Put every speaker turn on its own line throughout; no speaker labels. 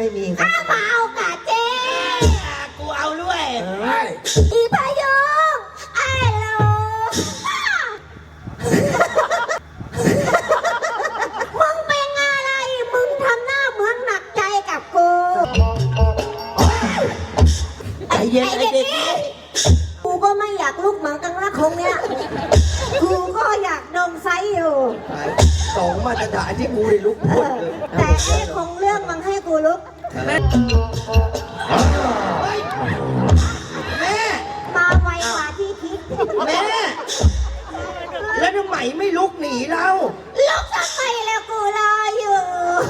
มีครับ
มาเอากาเจ
กูเอาด้วย
อีพายุไอ้โลมึงเป็นอะไรมึงทำหน้าเหมือนหนักใจกับกู
ใจเย็นไอ้เด็ก
กูก็ไม่อยากลุกเหมือนกันละคงเนี้ยกูก็อยากนมไซอยู่
สองมาตรฐานที่กูได้ลุกพ้นเลย
แต่ไอ้คงเรื่องมันให้กูลุก
แม่
มาไวกว่าที่คิด
แม่แล้วทำไมไม่ลุกหนีเรา
ลุกทำไมแล้วกูรออยู่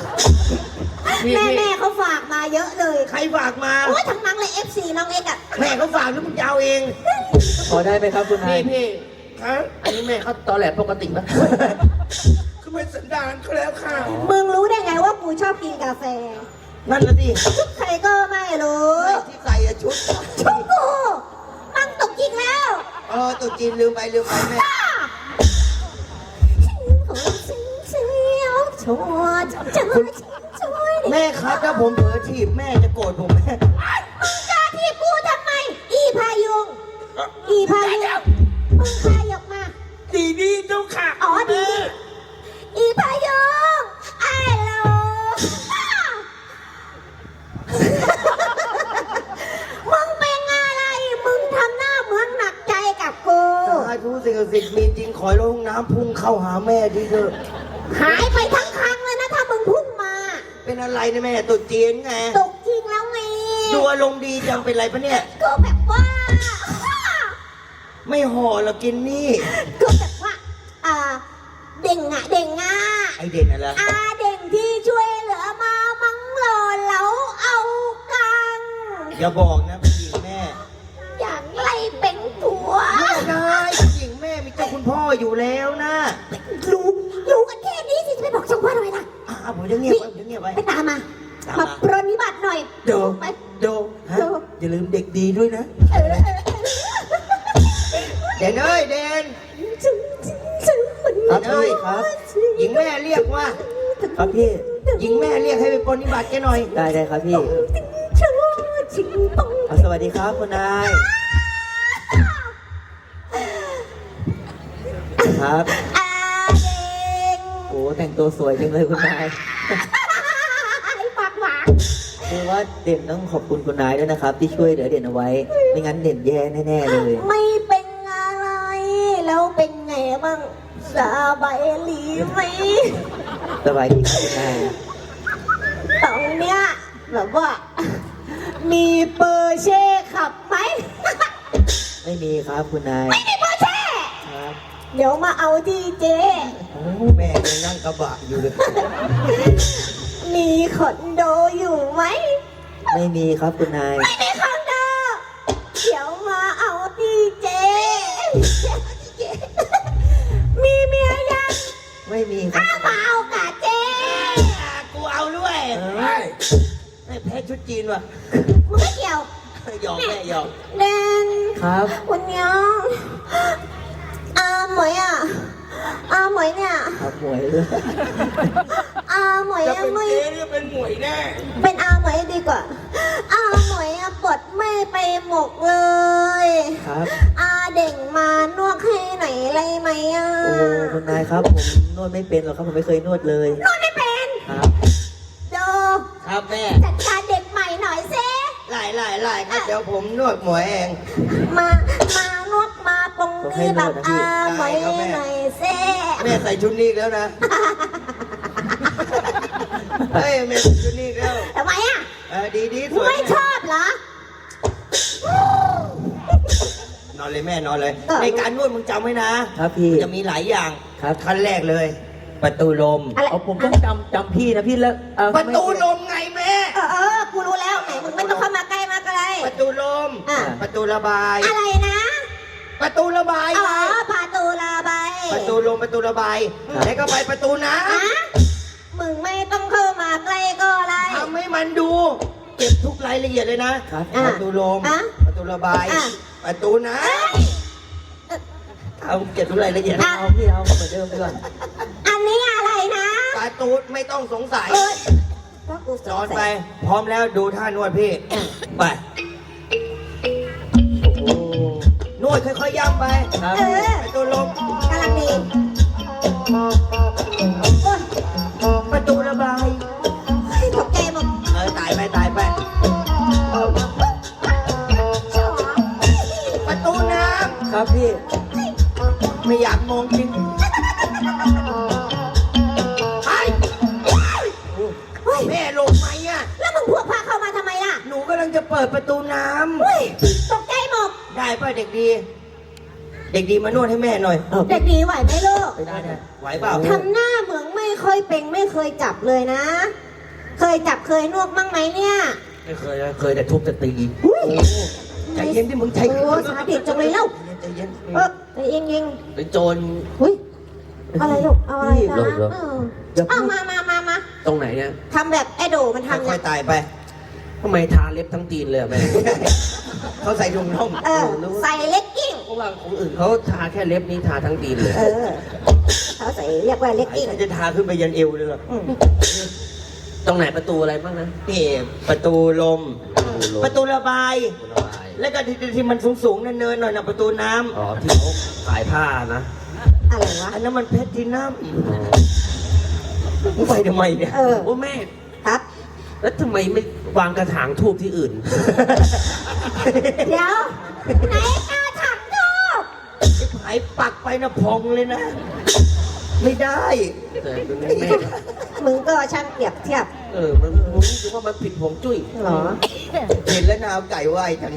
แม่เขาฝากมาเยอะเลย
ใครฝากมา
โอ้ยทั้งนั้นเลย FC น้องเอ็กอะ
แม่เขาฝากแล้วมึงจะเอาเอง
ขอได้ไหมครับคุณนาย
พี่ครับอันนี้แม่เขาตอแหลปกติไหมคือเป็นสันดานเขาแล้วค่ะ
มึงรู้ได้ไงว่ากูชอบกินกาแฟ
นั่นละดิ
ชุดใครก็ไม่รู้
ที่ใส่ชุด
กูตั้งตกจริงแล้ว
ตกจริงลืมไปแม่แม่ครับถ้าผมเผลอถีบแม่จะโกรธผมแม่
กล้าถีบกูทำไมอีพายุงมึงพายกมา
ดีเจ้าค่ะ
อ๋อดีอีพายุงไอ้โลมึงเป็นอะไรมึงทำหน้าเหมือนหนักใจกับกู
ถ้าทุกสิ่งศักดิ์สิทธิ์มีจริงขอลงน้ำพุ่งเข้าหาแม่ดิเถอะ
หายไปทั้งครั้งเลยนะถ้ามึงพุ่งมา
เป็นอะไรนะแม่ตุ่จีนไง
ตุกจริงแล้วไง
ดูอารมณ์ดีจังเป็นไรปะเนี่ย
ก็แบบว่า
ไม่ห่อหรอกินนี่
ก็แบบว่าเด่งอ่ะ
ไอเด่นอะไร
เด่งที่ช่วยเหลือมามังหล่อเหลาเอากัน
อย่าบอกนะผู้หญิงแม่
อย่างไรเป็นผัว
ไม่ได้ผู้หญิงแม่มีเจ้าคุณพ่ออยู่แล้วนะ
รู้กันแค่นี้สิจะไปบอกช่างพ่อทำไมล่ะ
ผมจะเงียบไว้
ไปตามมาปรนนิบัติหน่อย
โดอย่าลืมเด็กดีด้วยนะเด่นเอ้ยเด่น
ครับ
หญิงแม่เรียกว่า
ครับพี่
หญิงแม่เรียกให้ไปปรนนิบัติแกหน่อย
ได้ครับพี่สวัสดีครับคุณนายครับโอ้แต่งตัวสวยจังเลยคุณนาย
ปากหวาน
คือว่าเด่นต้องขอบคุณคุณนายด้วยนะครับที่ช่วยเหลือเด่นเอาไว้ไม่งั้นเด่นแย่แน่ๆเลย
ไม่เป็นอะไรแล้วเป็นไงบ้างสบายดีไหม
สบายดีครับคุณนาย
ตรงเนี้ยแบบว่ามีเปอร์เช่ขับไหม
ไม่มีครับคุณนาย
ไม่มีเปอร์เช่
ครับ
เดี๋ยวมาเอาที่เจ๊
แม่ยังนั่งกระบะอยู่เลย
มีคอนโดอยู่ไหม
ไม่มีครับคุณนาย
ไม่มีคอนโดเดี๋ยวมาเอาที่เจ๊มีเมียยัง
ไม่มีครับ
มาเอากะเจ๊
กูเอาด้วยไม่แพ้ชุดจีนว่ะ
มึงไม่เกี่ยว
หยอกแม่หยอก
แดง
ครับ
คุณยังหมวยหมวยเนี่ย
หมวย
หมวย
จะเป็นเจ๊หรือเป็นหมวยแน่
เป็นหมวยดีกว่าหมวยปลดไม่ไปหมกเลย
ครับ
เด่งมานวดให้ไหนไรไหม
โอ้คุณนายครับผมนวดไม่เป็นหรอกครับผมไม่เคยนวดเลย
นวดไม่เป็น
ครับ
โด
ครับแม่
จัดการเด็กใหม่หน่อยเซ่
ไล่ครับเดี๋ยวผมนวดหมวยเอง
มานวดมาตรงนี้แบบหมวยหน่อยเซ่
แม่ใส่ชุดนี้แล้วนะเฮ้ยแม่ใส่ชุดนี้แล้ว
ทำไม
ดีสวย
ไม่ชอบเหร
อนอนเลยแม่นอนเลยในการนวดมึงจำไว้นะครับ
พี่
จะมีหลายอย่าง
ครับ
ขั้นแรกเลยประตูลม
ผมต้องจำพี่นะพี่แล้ว
ประตูลมไงแม่
กูรู้แล้วไหนมึงไม่ต้องเข้ามาใกล้มาไกล
ประตูลมประตูระบาย
อะไรนะ
ประตูระบายไง
ประตูระบาย
ประตูลมประตูระบายแล้วก็ไปประตูน้
ำมึงไม่ต้องเข้ามาใกล้ก็ได้
ทำให้มันดูเก็บทุกรายละเอียดเลยนะประตูลมประตูระบายประตูน้ำเอาเก็บทุกรายละเอียด
เอาพี่เอาเหมือนเดิมดีกว่า
อันนี้อะไรนะ
ประตูไม่ต้องสงสัย
ก็กูส
สอนไป พร้อมแล้วดูท่านวดพี่ไปโอ้นวดค่อยๆย่ำไป
ครับ
ประตูลม
กำลังดีโอ้ย
ประตูระบาย
ตกใจหมด
ตายไปตายไป ประตูน้
ครับพี่
ำไม่อยากมองจริงไอ้แม่ลงไหมอ่ะ
แล้วมึงพวกพาเข้ามาทำไมล่ะ
หนูกำลังจะเปิดประตูน้
เฮ้ยตกใจหมด
ำได้ป่ะเด็กดี เด็กดีมานวดให้แม่หน่อย
เด็กดีไหวไหมลูก
ได้ไหวเปล่า
ทำหน้าเหมือนไม่ค่อยเป็นไม่เคยจับเลยนะ เคยจับเคยนวดบ้างไหมเนี่ย
ไม่เคยนะเคยแต่ทุบแต่ตีใจเย็นที่มึงใจ
โอ้สาดิตจังเลยเล่า
ใจเย็น
ใจเย็นยิง
ไอ้โจร
อุ้ยอะไรลูกเอาอะไร
รีบ
นะ
เหรอ
เอามา
ตรงไหนเนี่ย
ทำแบบไอ้โดมันทำ
ค่
เนี่
อย ยๆตายไป
ทำไมทาเล็บทั้งตีนเลยอะแม่
เขาใส่ถุงน่อง
ใส่เล็กกิ้ง
เพราะว่าของอื่นเขาทาแค่เล็บนี้ทาทั้งตีนเลย
เขาใส่เรียกว่าเล็กกิ้ง
จะทาขึ้นไปยันเอวเลยเหรอ
ตรงไหนประตูอะไรบ้างนะ
นี่ประตูลม ประตูระบาย
ประตูระบาย
แล้วก็ที่มันสูงๆเนินๆหน่อยนะประตูน้
อ๋อที่เขาขายผ้านะ
อะไรวะ
ำอันนั้นมันเพชรที่น้ำมึงไปทำไมเนี่ย
โอ้แม่
ครับ
แล้วทำไมไม่วางกระถางทูบที่อื่น
เดี๋ยวไหนกาถังทูบ
ไอ้ปักไปนะพองเลยนะ ไม่ได้
แต่ตรงนี้แม่
มึงก็ช่างเปรียบเทียบ
มันผมรู้สึกว่ามันผิดผงจุ้ย
เหรอ
เห็นแล้วนาวไก่ไหวจัง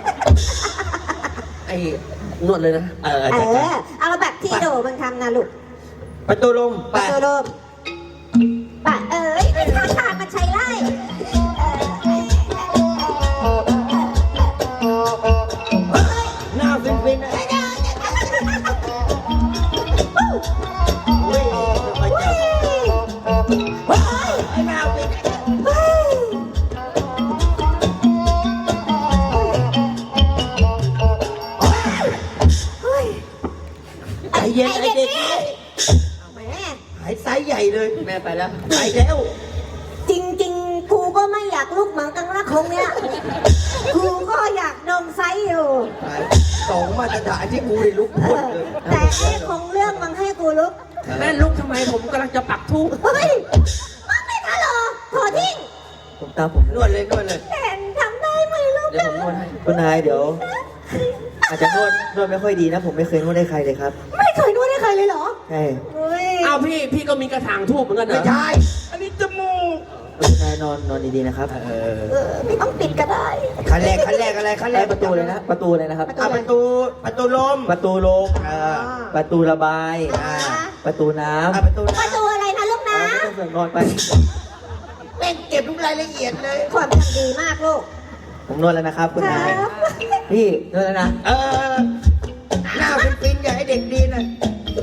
ไอ้นวดเลยนะ
เอาแบบที่โดมันทำนะลูก
ประตูลมไป
ปะโดโดมปะไม่ท่าทางมันใช้ไล่
หน้าฟินๆนะอุ้ยไปจับไอ้หน้าฟินใจเย็นไอ้เด็ก
แหม
หายไซส์ใหญ่เลย
แม่ไปแล้ว
ไปแล้ว
จริงๆ กูก็ไม่อยากลุกเหมือนกันนะคงเนี้ย กูก็อยากนมไซส์อยู่
สองมาตรฐานที่กูได้ลุกพ้นเลย
แต่ไอ้คงเรื่องมันให้กูลุก
แม่ลุกทำไมผมกำลังจะปักทูบ
เฮ้ยมึงไม่ทันหรอขอทิ้ง
ผมตามผม
นวดเลยนวดเลย
เห็นทำได้ไหมลูก
เดี๋ยวผมนวดให้
คุณนายเดี๋ยว อาจจะนวดไม่ค่อยดีนะ ผมไม่เคยนวดให้ใครเลยครับ
ไม่เคยนวดให้ใครเลยเหรอ
ใช่
เฮ้ย
เอาพี่ก็มีกระถางทูบเหมือนกันเหร
ไม่
อ
ใช่ อันนี้จมูก
คุณนายนอนดีๆนะครับ
ไม่ต้องปิดก็ได้
ขั้นแรกอะไรขั้นแร
ได้
ก
ประตูเลยนะ ประตูเลยนะครับ
ประตูลม
ประตูลม ประตูระบาย ประตูน้ำ
ประตู
ประตูอะไรนะลูกนะ
ไม่ต้องเสือกนอนไป
แม่งเก็บทุกรายละเอียดเลย
ความจำดีมากลูก
ผมนวดแล้วนะครับ คุณนาย พี่นวดแล้วนะ
หน้าฟินๆอย่าให้เด็กดีนะ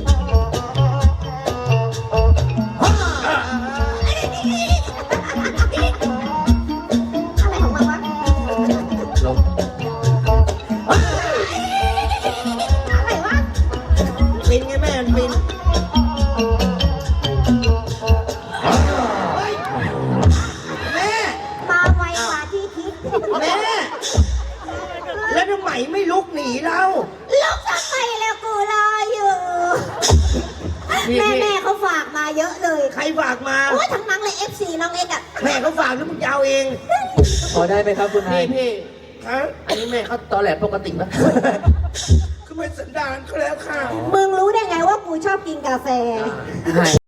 เอง
พอได้ไหมครับคุณนาย
พี่อันนี้แม่เขาตอแหลปกติปะ
คือเป็นสันดานเขาแล้วค่ะ
มึงรู้ได้ไงว่ากูชอบกินกาแฟ